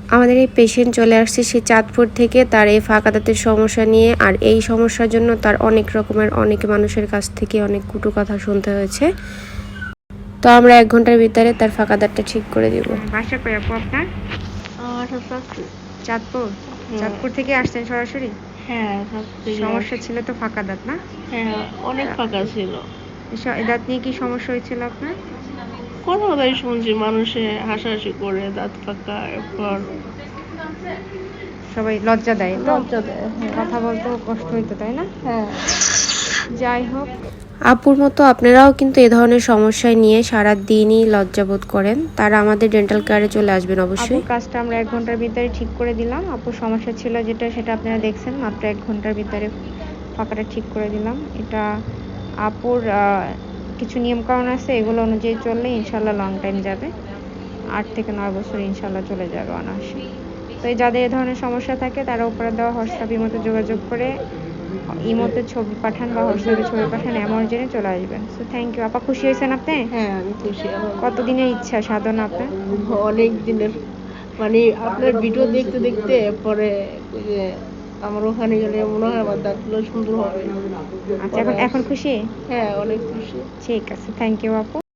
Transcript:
আমাদের এই পেশেন্ট চলে আসছে সেই চাঁদপুর থেকে, তার এই ফাঁকা দাঁতের সমস্যা নিয়ে। আর এই সমস্যার জন্য তার অনেক রকমের অনেক মানুষের কাছ থেকে অনেক কটু কথা শুনতে হয়েছে। তো আমরা 1 ঘন্টার ভিতরে তার ফাঁকা দাঁতটা ঠিক করে দিব। বাসা কই আপু আপনার? চাঁদপুর। চাঁদপুর থেকে আসছেন সরাসরি? হ্যাঁ, সমস্যা ছিল তো ফাঁকা দাঁত না? হ্যাঁ, অনেক ফাঁকা ছিল। দাঁত নিয়ে কি সমস্যা হয়েছিল আপনার? কথাই শুনছি মানুষে হাসাহাসি করে দাঁত ফাঁকা, এরপর সবাই লজ্জা দেয় তো? লজ্জা দেয়। কথা বলতেও কষ্ট হইতো, তাই না? হ্যাঁ। যাই হোক, আপুর মতো আপনারাও কিন্তু এ ধরনের সমস্যায় নিয়ে সারা দিনই লজ্জাবোধ করেন, তারা আমাদের ডেন্টাল কেয়ারে চলে আসবেন অবশ্যই। আপুর কাজটা আমরা 1 ঘন্টার ভিতরে ঠিক করে দিলাম। আপুর সমস্যা ছিল যেটা, সেটা আপনারা দেখছেন। মাত্র 1 ঘন্টার ভিতরে ফাঁকাটা ঠিক করে দিলাম। এটা আপুর কিছু নিয়মকানুন আছে, এগুলো অনুযায়ী চললে ইনশাল্লাহ লং টাইম যাবে। 8 থেকে 9 বছর ইনশাল্লাহ চলে যাবে অনায়াসে। তো এই যাদের এ ধরনের সমস্যা থাকে তারা উপরে দেওয়া হোয়াটসঅ্যাপ ইমোতে যোগাযোগ করে ইমোতে ছবি পাঠান বা হোয়াটসঅ্যাপে ছবি পাঠান, অ্যামাউন্ট জেনে চলে আসবেন। সো থ্যাংক ইউ আপা। খুশি হয়েছেন আপনি? হ্যাঁ, আমি খুশি। কতদিনের ইচ্ছা সাধনা আপনার? অনেক দিনের, মানে আপনার ভিডিও দেখতে দেখতে পরে ওই যে আমার ওখানে গেলে মনে হয় আমার দাঁতগুলো সুন্দর হবে। আচ্ছা, এখন খুশি? হ্যাঁ, অনেক খুশি। ঠিক আছে, থ্যাংক ইউ আপু।